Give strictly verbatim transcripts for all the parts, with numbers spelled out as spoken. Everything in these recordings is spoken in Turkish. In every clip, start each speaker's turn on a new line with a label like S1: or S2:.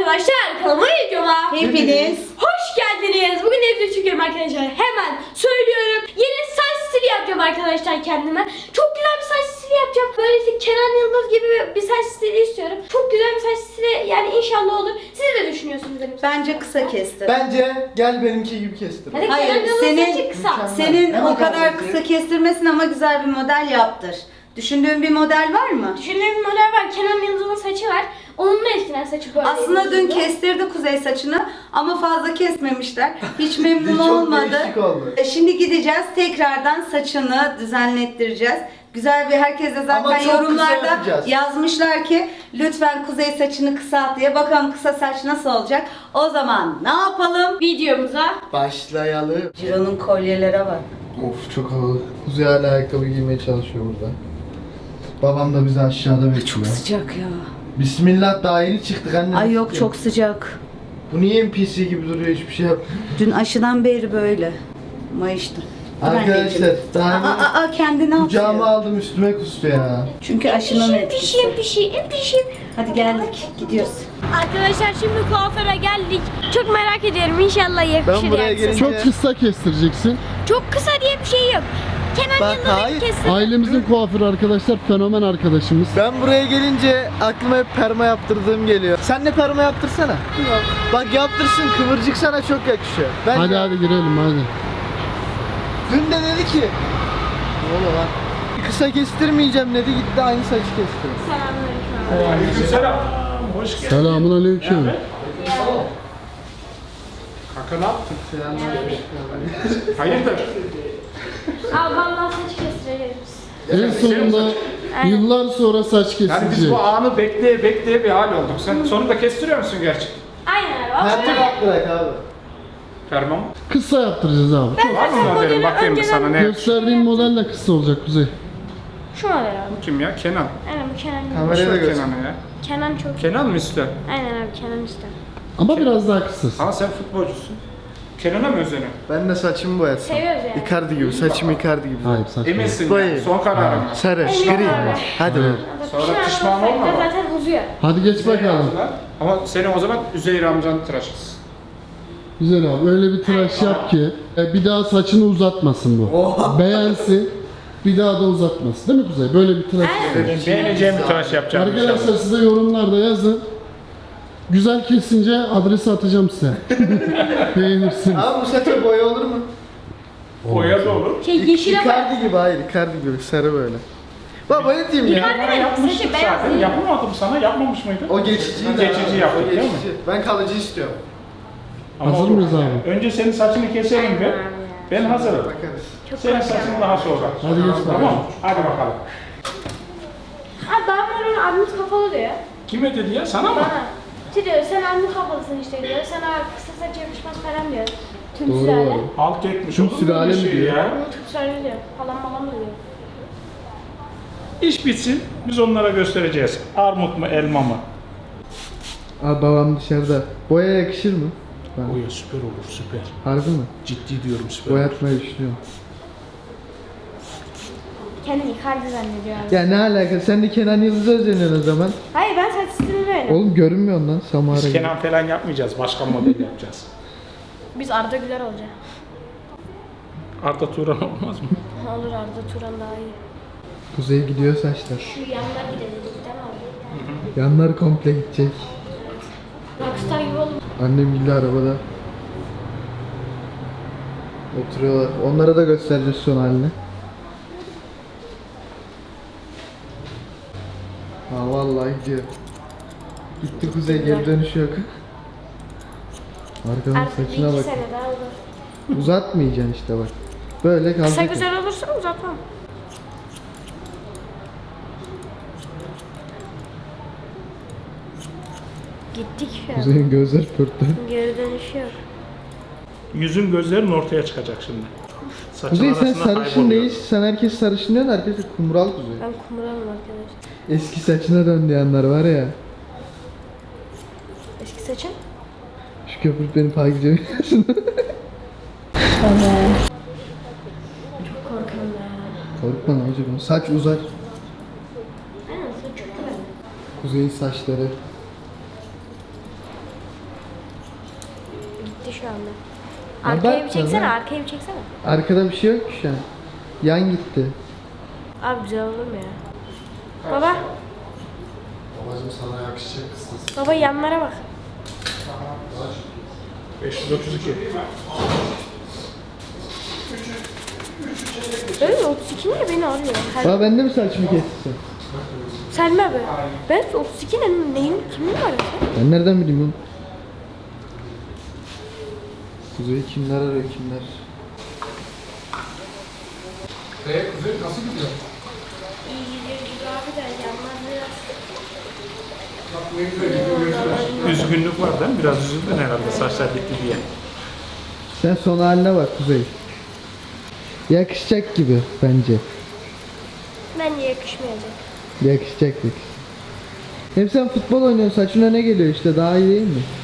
S1: arkadaşlar, kanalıma videoma
S2: Hepiniz
S1: hoş geldiniz. Bugün evde çekiyorum arkadaşlar. Hemen söylüyorum. Yeni saç stili yapacağım arkadaşlar kendime. Çok güzel bir saç stili yapacağım. Böyle işte Kenan Yıldız gibi bir saç stili istiyorum. Çok güzel bir saç stili, yani inşallah olur. Siz ne düşünüyorsunuz benim saçım?
S2: bence kısa kestir.
S3: Bence gel benimki gibi kestir.
S1: Hadi
S2: Hayır,
S1: Kenan Yıldız'ın
S2: senin-
S1: saçı kısa.
S3: Mükemmel.
S2: Senin
S3: Ne
S2: o
S3: model
S2: kadar
S3: peki?
S2: kısa kestirmesin ama güzel bir model yaptır. Düşündüğün bir model var mı?
S1: Düşündüğüm bir model var. Kenan Yıldız'ın saçı var. Onun da eskiden saçı böyle.
S2: Aslında dün kestirdi Kuzey saçını ama fazla kesmemişler. Hiç memnun
S3: Çok
S2: olmadı.
S3: değişik oldu.
S2: E, Şimdi gideceğiz tekrardan saçını düzenlettireceğiz. Güzel bir herkes de
S3: Ama
S2: zaten
S3: çok kısa
S2: yorumlarda
S3: yapacağız.
S2: yazmışlar ki lütfen Kuzey saçını kısalt diye. Bakalım kısa saç nasıl olacak. O zaman ne yapalım?
S1: Videomuza
S3: Başlayalım.
S2: Ciro'nun kolyelere bak.
S3: Of çok havalı. Kuzey hala ayakkabı giymeye çalışıyor burada. Babam da bizi aşağıda bekliyor.
S2: Sıcak ya.
S3: Bismillah, daha yeni çıktık anne.
S2: Ay yok çok sıcak.
S3: Bu niye N P C gibi duruyor, hiçbir şey yap.
S2: Dün aşıdan beri böyle. Mayıştım. Dur
S3: Arkadaşlar
S2: anneciğim.
S3: daha
S2: Aa, aa, aa, kendini
S3: kucağıma
S2: atıyor.
S3: aldım, üstüme kustu ya.
S2: Çünkü aşının
S1: pişim
S2: etkisi.
S1: pişim pişim pişim.
S2: Hadi geldik gidiyoruz.
S1: Arkadaşlar şimdi kuaföre geldik. Çok merak ediyorum, inşallah yakışır
S3: Ben buraya
S1: yani.
S3: gelince-
S4: Çok kısa kestireceksin.
S1: Çok kısa diye bir şey yok. Kenan
S3: Bak,
S1: Yıldız'ın
S3: hayır.
S1: kesin.
S4: Ailemizin kuaförü arkadaşlar, fenomen arkadaşımız.
S3: Ben buraya gelince aklıma hep perma yaptırdığım geliyor. Sen de perma yaptırsana. Bak yaptırsın, kıvırcık sana çok yakışıyor. Ben
S4: Hadi hadi girelim hadi.
S3: Dün de dedi ki ne oluyor lan? Kısa kestirmeyeceğim dedi, gitti aynı saçı kestirdi.
S1: Selamünaleyküm.
S5: Selam. Hoş geldin.
S4: Selamun aleyküm.
S5: Kanka ne yaptın? Hayırdır?
S1: Abi vallahi saç kestireceğiz biz.
S4: En sonunda yıllar sonra saç
S5: Yani biz
S4: kesilecek.
S5: bu anı bekleye bekleye bir hal olduk. Sen sonunda kestiriyor musun gerçek?
S1: Aynen abi.
S3: Her türlü hak bırak abi.
S5: Ferman.
S4: Kısa yaptıracağız abi.
S1: Ben
S5: Var mı
S1: zaten
S5: modelin?
S1: modeli
S5: Bakayım bir
S1: önceden-
S5: sana ne?
S4: Gösterdiğin model de kısa olacak Kuzey.
S1: Şu model abi.
S5: Kim ya? Kenan.
S1: Aynen bu Kenan Yıldız.
S3: Kameraya da
S5: Boş ver
S3: göster.
S5: Kenan'ı ya.
S1: Kenan çok.
S5: Kenan mı ister?
S1: Aynen abi Kenan ister.
S4: Ama biraz daha kısası.
S5: Ama sen futbolcusun. Kenan'a mı özeniyorsun?
S3: Ben de saçımı boyatsam.
S1: Seviyoruz yani.
S3: Icardi gibi, saçım Icardi gibi.
S4: Hayır saçma.
S5: Eminsin
S3: Boyayı.
S5: ya. Son kararın.
S3: Sarı,
S1: Emin
S3: gri.
S1: abi.
S3: Hadi be.
S5: Sonra pişman olma
S1: olsaydı
S5: bak.
S1: zaten uzuyor.
S4: Hadi geç bakalım.
S5: Ama seni o zaman Üzeyir amcanı tıraşız.
S4: Güzel abi, öyle bir tıraş yap ki e, bir daha saçını uzatmasın bu. Beğensin, bir daha da uzatmasın. Değil mi Kuzey? Böyle bir tıraş.
S5: Benim beğeneceğim bir tıraş yapacağım.
S4: Arkadaşlar size yorumlarda yazın. Güzel kesince adresi atacağım size. Beğenirsiniz.
S3: Abi bu saça boya olur mu?
S5: Boya da olur.
S1: Şey yeşile bak.
S3: Icardi gibi, hayır Icardi gibi, sarı böyle. Baba ne diyeyim ya?
S5: Bana yapmıştık
S1: Saçı beyaz
S5: zaten.
S1: değil.
S5: Yapamadım sana. Yapmamış mıydın?
S3: O geçici.
S5: Geçici yaptık değil mi?
S3: Ben kalıcı istiyorum.
S5: Ama
S4: Hazır
S5: olur.
S4: mıyız abi?
S5: Önce senin saçını keselim bir. Ben hazırım.
S3: Bakarız.
S5: Senin saçın daha sonra.
S4: Hadi geç bakalım.
S5: Tamam. Hadi bakalım.
S1: Abi daha sonra abimiz kafalı diyor.
S5: Kime dedi ya? Sana mı?
S1: Bana. Şey diyor, sen abimiz kafalısın işte diyor. Sen abi kısa saç yakışmaz falan diyor. Tüm
S4: Doğru
S1: sülale.
S4: abi.
S5: Alt etmiş.
S4: Tüm
S5: olur mu
S4: sülale
S5: öyle
S4: mi
S5: şey
S4: diyor?
S5: ya?
S1: Tüm sülale diyor. Falan falan diyor.
S5: İş bitsin. Biz onlara göstereceğiz. Armut mu elma mı?
S3: Abi babam dışarıda. Boya yakışır mı? Ben.
S5: Boya süper olur süper.
S3: Harbi mi?
S5: Ciddi diyorum süper olur.
S3: Boyatmayı düşünüyorum.
S1: Kendini Icardi zannediyor abi.
S3: Ya ne alaka? Sen de Kenan Yıldız'a özeniyorsun o zaman.
S1: Hayır ben saç stilini beğendim.
S3: Oğlum görünmüyor lan Samara
S5: Biz
S3: gibi.
S5: Kenan falan yapmayacağız. Başka model yapacağız.
S1: Biz Arda Güler olacak.
S5: Arda Turan olmaz mı?
S1: Olur Arda Turan daha iyi.
S3: Kuzey gidiyor saçlar.
S1: Şu yanlar gidelim değil mi abi?
S3: Yanlar komple gidecek.
S1: Rockstar gibi olur.
S3: Annem gidiyor arabada. Oturuyorlar. Onlara da göstereceğiz son halini. Ha vallahi gidiyor. Gitti Kuzey, geri dönüşü yok. Arkanın
S1: Artık bir
S3: saçına
S1: iki
S3: bak.
S1: sene daha olur.
S3: Uzatmayacaksın işte bak. Böyle
S1: Kısa
S3: kalacak.
S1: güzel olursa uzatmam. Gittik şu an.
S3: Kuzey'in gözleri pörtlü.
S1: Geri dönüşü yok.
S5: Yüzün gözlerin ortaya çıkacak şimdi. Saçın
S3: Kuzey sen
S5: arasına
S3: sarışın
S5: kayboluyor.
S3: değilsin. Sen herkes sarışın diyorsun. Herkes de kumral Kuzey.
S1: Ben kumralım arkadaşlar.
S3: Eski saçına dön diyenler var ya.
S1: Eski saçım.
S3: Şu köpük beni takip ediyorsun.
S1: Çok korkuyorum ya.
S3: Korkma ne olacak? Saç uzar.
S1: Aynen saç çok güzel.
S3: Kuzey'in saçları.
S1: şu anda.
S3: Ya
S1: Arkaya
S3: bak
S1: bir çeksene,
S3: ya.
S1: arkaya bir çeksene.
S3: Arkada bir şey yok ki şu an. Yan gitti.
S1: Abi güzel olur mu ya? Baba,
S4: Babacım sana yakışacak kıstası.
S1: baba yanlara bak.
S5: beş yüz otuz iki.
S1: Öyle mi? otuz iki ne beni arıyor? Her...
S3: Baba ben de mi saçımı kestim?
S1: Selma abi. Ben otuz iki ne? Neyin? Kimin var?
S3: Ben nereden bileyim bunu? Kuzey kimler arıyor kimler?
S4: Eee Kuzey nasıl gidiyor?
S1: İyi gidiyor gibi abi de yanlar biraz.
S4: Bak ne güzel gidiyor.
S5: Üzgünlük var değil mi? Biraz üzüldün herhalde saçlar gitti diye.
S3: Sen son haline bak Kuzey. Yakışacak gibi bence.
S1: Bence yakışmayacak.
S3: Yakışacak yakışacak. Hem sen futbol oynuyorsun saçına ne geliyor işte daha iyi değil mi?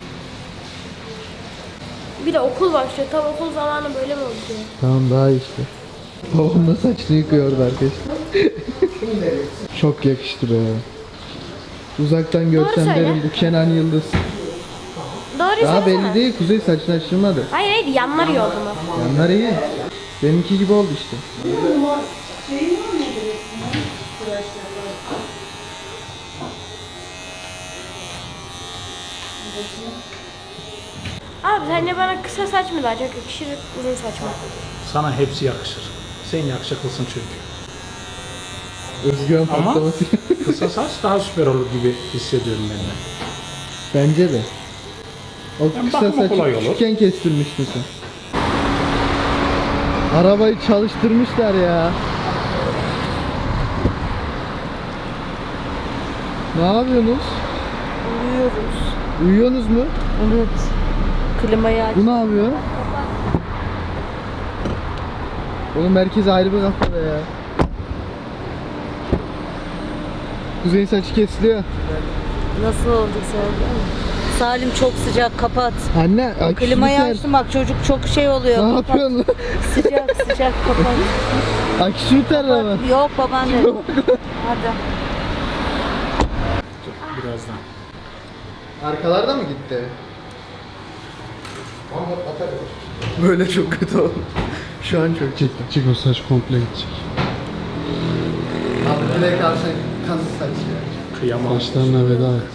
S1: Bir de okul başlıyor. Tam okul zamanı böyle mi oluyor?
S3: Tamam daha iyi işte. Babam da saçını yıkıyordu arkadaşlar. Çok yakıştı be. Uzaktan görsem
S1: söyle.
S3: derim bu Kenan Yıldız.
S1: Doğru
S3: Daha
S1: söylesene.
S3: belli değil Kuzey saçını açtırmadı.
S1: Hayır hayır yanlar iyi oldu mu?
S3: Yanlar iyi. Benimki gibi oldu işte.
S1: Abi sence bana kısa saç mı daha çok yakışır, uzun saç mı?
S5: Sana hepsi yakışır. Sen yakışıklısın çünkü.
S3: Özgüven
S5: Ama-
S3: patlaması.
S5: Kısa saç daha süper olur gibi hissediyorum ben de.
S3: Bence de. O
S5: Yani
S3: kısa
S5: bakıma
S3: saçı
S5: kolay olur.
S3: küçükken kestirmiştin sen. Arabayı çalıştırmışlar ya. Ne yapıyorsunuz?
S2: Uyuyoruz.
S3: Uyuyorsunuz mu?
S2: Evet. Klimayı aç.
S3: Bu ne yapıyor? Oğlum herkes ayrı bir kafada ya. Kuzey'in saçı kesiliyor.
S2: Nasıl oldu sen? Salim çok sıcak, kapat.
S3: Anne, ay
S2: Klimayı
S3: şunu ter-
S2: açtım bak, çocuk çok şey oluyor.
S3: Ne
S2: Kapat.
S3: yapıyorsun lan?
S2: Sıcak sıcak, kapat.
S3: Akşu ter ama.
S2: Yok babaanne. Hadi.
S5: Birazdan.
S3: Arkalarda mı gitti? Böyle çok kötü oldu. Şu an çok
S4: Çek, çek o saç komple gidecek.
S3: Abi direkt alsan kazı saç ya.
S5: Kıyamam.
S4: Saçlarına veda et.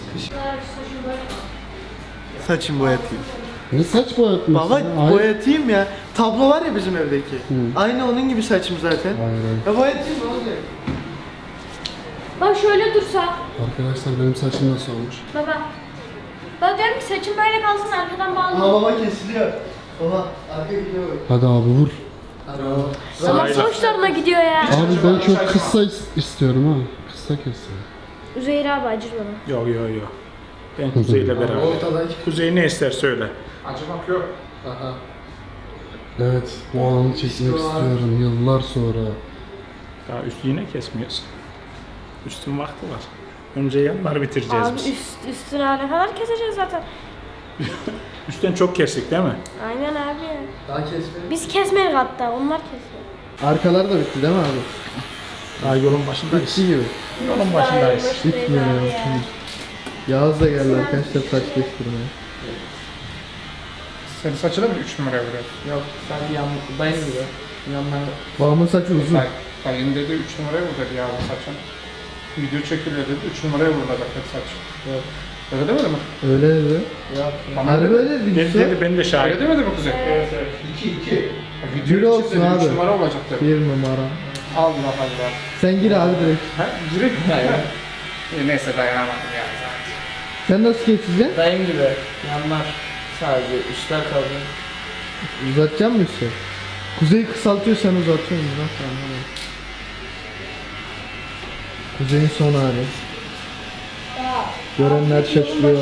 S3: Saçımı boyatayım.
S4: Ne saç boyatmışsın?
S3: Baba
S4: ya? Hayır.
S3: boyatayım ya. Tablo var ya bizim evdeki. Aynı onun gibi saçım zaten.
S4: Hayır, hayır.
S3: Ya boyatayım ne olacak?
S1: Bak şöyle dursa.
S4: Arkadaşlar benim saçım nasıl olmuş?
S1: Baba. Ben diyorum ki saçım böyle kalsın arkadan
S3: Aa
S1: bağlı.
S3: baba kesiliyor. Baba arka gidiyor bak.
S4: Hadi abi vur.
S3: Hadi baba.
S1: Ama sonuçlarına gidiyor ya.
S4: Abi ben çok kısa is- istiyorum ha. Kısa kesin.
S1: Üzeyir abi acır bana.
S5: Yok yok yok. Ben Kuzey'le beraber.
S3: Ortadan
S5: Kuzey ne ister söyle.
S3: Aha.
S4: Evet bu alanı çekmek istiyorum yıllar sonra.
S5: Daha üstü yine kesmiyorsun. Üstün vakti var. Önce yanları bitireceğiz
S1: Abi
S5: biz.
S1: üst, üstüne ne kadar keseceğiz zaten.
S5: Üstten çok kestik değil mi?
S1: Aynen abi ya.
S3: Daha kesmedim.
S1: Biz kesmedik hatta onlar kesiyor.
S3: Arkalar da bitti değil mi abi?
S5: Daha yolun başındayız.
S3: Bitti gibi.
S5: Yolun başındayız.
S3: Bitmiyor ya. Yağız da geldi arkadaşlar saç kestirmeye.
S6: Senin saçına mı üç numara vuruyor?
S7: Yok sanki yan, dayım gibi. Yanlar
S3: Babamın saçı uzun.
S6: Bak, dayın dedi üç numaraya vur dedi ya bu saçın. Video çekiliyor dedi, üç numaraya vurulacak dedi saç.
S7: yok.
S6: Öyle demedi mi?
S3: Öyle dedi.
S7: Yok.
S6: Bana
S3: Harbi
S6: dedi.
S3: öyle dedi.
S5: Dedi, dedi ben de
S6: Öyle
S5: şahit.
S6: demedi mi Kuzey?
S7: Evet evet.
S6: iki iki.
S3: Bir
S6: Video
S3: olsun
S6: için dedi,
S3: abi.
S6: üç numara olacak dedi.
S3: Bir numara.
S6: Allah Allah.
S3: Sen gir abi direkt.
S6: Ha, direkt mi?
S7: Hayır.
S6: E, neyse dayanamadım ya zaten.
S3: Sen nasıl keseceksin?
S7: Dayım gibi. Yanlar sadece üstler kalıyor.
S3: Uzatacak mısın üstü? Kuzeyi kısaltıyor sen uzatıyorsun. Nasıl anlamadım. Kuzeyin son hali. Görenler şaşırıyor.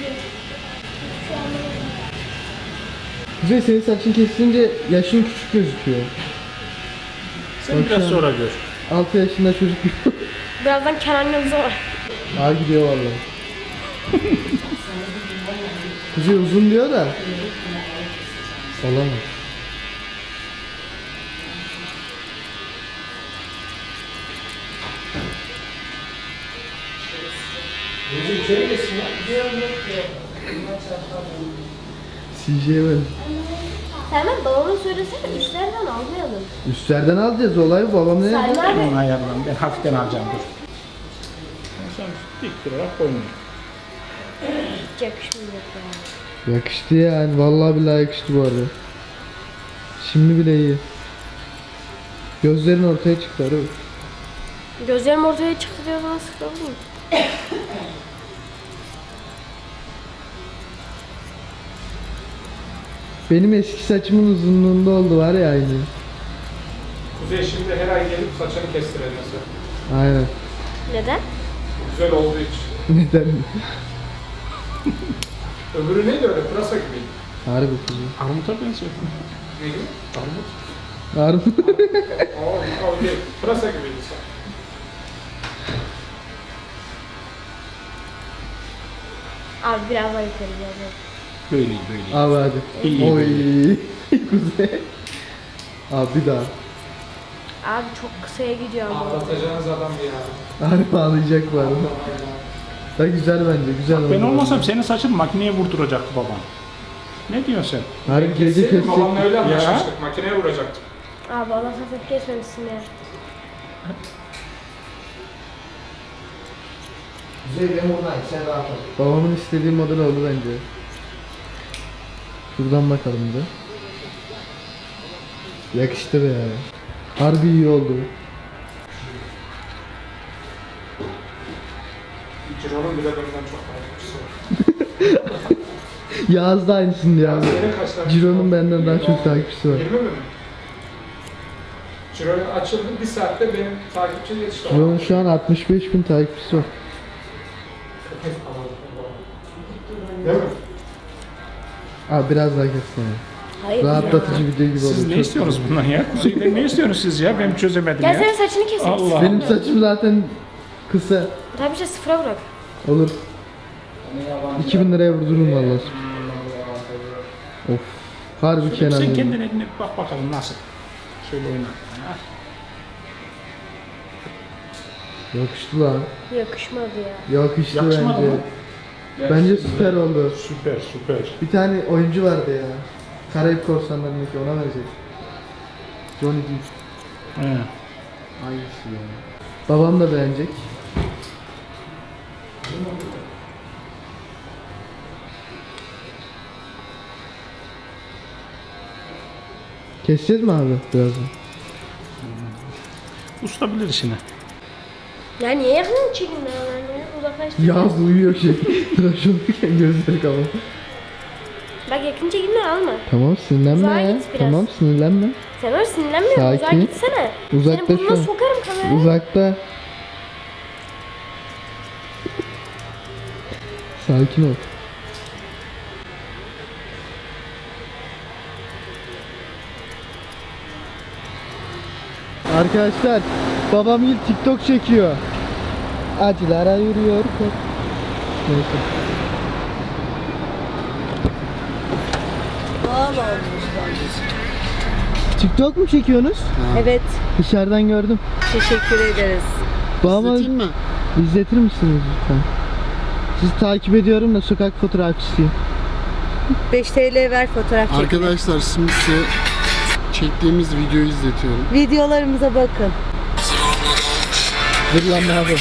S3: Kuzey senin saçın kesilince yaşın küçük gözüküyor.
S5: Sen biraz
S3: Bakacağım.
S5: sonra gör.
S3: altı yaşında çocuk gibi.
S1: Birazdan Kenan Yıldız'a var.
S3: Daha gidiyor vallahi. Kuzey uzun diyor da. Olamaz. C J'ye ben.
S1: Selman babama söylesene üstlerden almayalım.
S3: Üstlerden alacağız olay bu. Babam ne yapacak?
S1: Selman
S5: Onu
S1: abi.
S5: ayarlan. Ben hafiften alacağım dur. Sen dik durarak koymuyor.
S1: Hiç yakışmayacak yani.
S3: Yakıştı yani. Vallahi billahi yakıştı bu arada. Şimdi bile iyi. Gözlerin ortaya çıktı arı.
S1: Gözlerim ortaya çıktı diyor bana sıkıldım.
S3: Benim eski saçımın uzunluğunda oldu var ya aynı.
S6: Kuzey şimdi her ay gelip saçını kestiremesi.
S3: Aynen.
S1: Neden?
S6: Güzel olduğu için.
S3: Neden?
S6: Öbürü neydi öyle? Pırasa gibiydi.
S3: Harbi kızım.
S5: Armuta benziyor.
S6: Ne gibi?
S5: Armut.
S3: Harbi.
S6: Aa, o değil. Pırasa gibiydi saç.
S1: Abi biraz daha yukarı geleceğim.
S5: Böyle böyle.
S3: Abi hadi.
S5: İyi, iyi,
S3: Oy. Kuzey. Abi bir daha.
S1: Abi çok kısaya gidiyor ama.
S6: Ağlatacağınız adam ya.
S3: Harbi ağlayacak bu arada. Da güzel bence. Güzel oldu.
S5: Ben olmasam senin saçın makineye vurduracaktı babam. Ne diyorsun sen?
S3: Harbi gece
S6: Kesin
S3: kesecek.
S6: babamla öyle
S5: Ya.
S6: anlaşmıştık. Makineye vuracaktık.
S1: Abi Allah safet kesmemişsin ya.
S3: Kuzey ben buradayım. Sen rahat ol. Babamın istediği model oldu bence. Şuradan bakalım da. Yakıştı be yani. Harbi iyi oldu.
S6: Ciro'nun bile benden çok takipçisi var.
S3: Yağız da aynısını diyor abi.
S6: Senin kaç takipçisi
S3: Ciro'nun
S6: var?
S3: benden daha çok takipçisi var.
S6: yirmi mi? Ciro açıldı bir saatte benim takipçi yetişti.
S3: Ciro'nun şu an altmış beş bin takipçisi var.
S6: Değil mi?
S3: Abi biraz daha kessin.
S1: Hayır.
S3: Rahatlatıcı video gibi oldu.
S5: Siz ne
S3: Çok-
S5: istiyorsunuz bundan ya? Kuzey'den ne istiyorsunuz siz ya? Ben çözemedim
S1: Gel
S5: ya.
S1: senin saçını kesin.
S5: Allah.
S3: Benim saçım zaten kısa.
S1: Tabii işte sıfıra bırak.
S3: Olur. iki bin liraya vurdururum vallahi. Of. Harbi Kenan.
S5: Sen
S3: ya.
S5: kendine eline bir bak bakalım nasıl. Şöyle oyna. Ha.
S3: Yakıştı lan.
S1: Yakışmadı ya.
S3: Yakıştı,
S5: Yakışmadı
S3: bence.
S5: mı?
S3: Bence süper oldu.
S5: Süper süper.
S3: Bir tane oyuncu vardı ya. Karayip Korsanları'ndaki ona verecek. Johnny Depp.
S5: He.
S3: Aynısı ya. Babam da beğenecek. Keseceğiz mi abi birazdan?
S5: Usta bilir işini.
S1: Ya niye yakın çekin ben ya? Uzaklaştır.
S3: Yaz uyuyor şey. Tıraş olurken gözleri kapalı.
S1: Bak yakın çekimler alma.
S3: Tamam sinirlenme
S1: Uzağa
S3: ya.
S1: git biraz.
S3: Tamam sinirlenme.
S1: Sen öyle sinirlenmiyorsun. Uzağa
S3: Sakin.
S1: gitsene.
S3: Uzakta
S1: Senin
S3: şu
S1: burnuna
S3: an.
S1: sokarım kamerayı.
S3: Uzakta. Sakin ol. Arkadaşlar, babam ilk TikTok çekiyor. Acılara yürüyor. Neyse.
S2: Doğal olmuş.
S3: TikTok mu çekiyorsunuz?
S2: Evet.
S3: Dışarıdan gördüm.
S2: Teşekkür ederiz.
S3: Babama
S4: İzleteyim mi?
S3: izletir misiniz lütfen? Sizi takip ediyorum da sokak fotoğrafçısıyım.
S2: beş T L ver fotoğraf çek.
S4: Arkadaşlar şimdi size çektiğimiz videoyu izletiyorum.
S2: Videolarımıza bakın.
S3: Dur lan ne yapayım?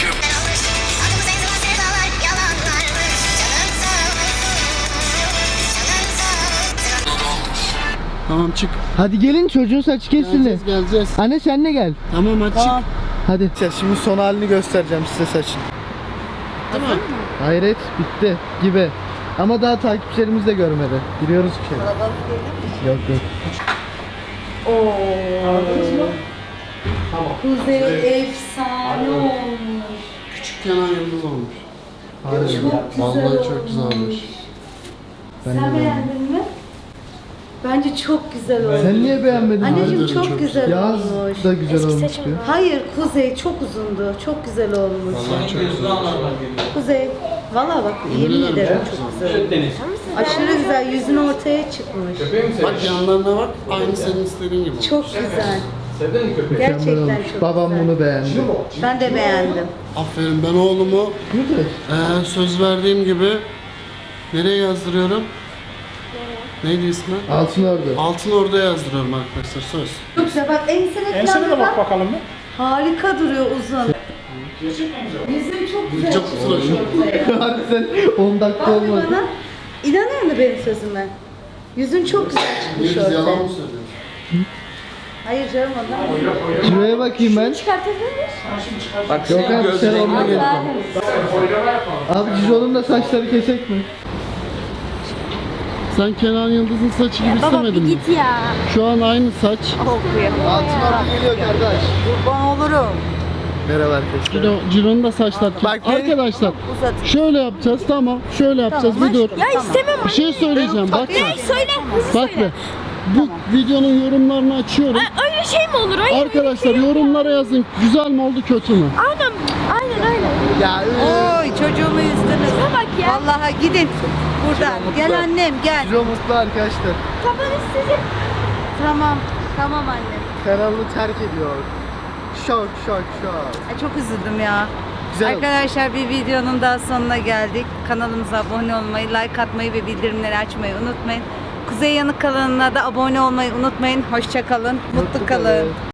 S4: Tamam çık.
S3: Hadi gelin çocuğun saçı kesildi.
S4: Geleceğiz geleceğiz.
S3: Anne sen de gel.
S4: Tamam hadi çık.
S3: Hadi. Şimdi son halini göstereceğim size saçın.
S4: Tamam.
S3: Hayret bitti gibi. Ama daha takipçilerimiz de görmedi. Giriyoruz bir şey. Yok yok.
S2: Kuzey efsane olmuş.
S4: Küçük Kenan Yıldız olmuş.
S3: Harbi.
S2: Çok güzel
S4: Vallahi
S2: olmuş.
S4: çok güzel olmuş.
S3: Ben
S2: Sen
S3: de
S2: beğendin mi? Bence çok güzel olmuş.
S3: Sen niye beğenmedin?
S2: Anneciğim
S4: Bence de
S2: çok,
S4: çok
S2: güzel
S3: Yaz
S2: olmuş.
S3: da güzel
S1: Eski
S3: olmuş
S1: saçım
S3: diyor.
S1: var.
S2: Hayır Kuzey çok uzundu. Çok güzel olmuş.
S4: Vallahi çok güzel olmuş.
S2: Kuzey. Valla bak yemin ederim çok güzel. Aşırı güzel. Yüzün ortaya çıkmış.
S4: Bak yanlarına bak. Aynı senin istediğin gibi olmuş.
S2: Çok güzel.
S3: Mükemmel
S2: Gerçekten
S3: olmuş.
S2: çok
S3: Babam
S2: güzel.
S3: bunu beğendi.
S2: Ben de beğendim.
S4: Aferin ben oğlumu
S3: Güzel.
S4: eee, söz verdiğim gibi nereye yazdırıyorum? Neydi ismi?
S3: Altın ordu.
S4: Altın Ordu'ya yazdırıyorum arkadaşlar söz.
S2: Çok güzel bak ensene
S6: Ensene de
S2: falan
S6: bak
S2: bak.
S6: bakalım mı?
S2: Harika duruyor uzun.
S6: Gerçekten güzel.
S2: Yüzün çok güzel.
S4: Çok tıraş.
S3: Hadi sen on dakika
S2: Bak
S3: olmadı.
S2: bana. İnanıyor musun benim sözüme? Yüzün çok güzel çıkmış
S4: Biz yalan mı
S2: ortaya.
S4: söylüyoruz?
S2: Hayır canım ondan.
S3: Kiloya bakayım ben.
S1: Çıkartabilir miyiz?
S7: Bak
S3: Yok
S7: senin
S3: abi sen
S7: gözlerin
S3: onunla
S7: gibi.
S3: gel. Abi Cizo'nun da saçları kesek mi?
S4: Sen Kenan Yıldız'ın saçı gibi
S1: Baba
S4: istemedin
S1: bir
S4: mi?
S1: git ya.
S4: Şu an aynı saç.
S3: Altın ordu geliyor kardeş.
S2: Kurban olurum.
S3: Merhaba arkadaşlar.
S4: Ciro, Ciro'nun da saçlar.
S3: Bak be.
S4: Arkadaşlar
S2: Uzat.
S4: şöyle yapacağız tamam. Şöyle yapacağız bir dur.
S1: Ya istemem
S4: Bir şey söyleyeceğim bak.
S1: anne. Söyle hızlı
S4: Bak
S1: söyle.
S4: be. Bu videonun yorumlarını açıyorum.
S1: Öyle şey mi olur? Hayır.
S4: Arkadaşlar yorumlara yazın. Güzel mi oldu kötü mü?
S1: Aynen. Aynen aynen.
S3: Ya
S2: Oy çocuğumu üzdünüz.
S1: Şuna bak ya.
S2: Vallahi gidin. Buradan. Gel annem gel.
S3: Cizo mutlu arkadaşlar.
S1: Kafanız sizin.
S2: Tamam. Tamam annem.
S3: Kanalını terk ediyor. Şok şok şok.
S2: Ay, çok üzüldüm ya.
S3: Güzel oldu.
S2: Arkadaşlar bir videonun daha sonuna geldik. Kanalımıza abone olmayı, like atmayı ve bildirimleri açmayı unutmayın. Kuzey Yanık kanalına da abone olmayı unutmayın. Hoşça kalın, mutlu kalın.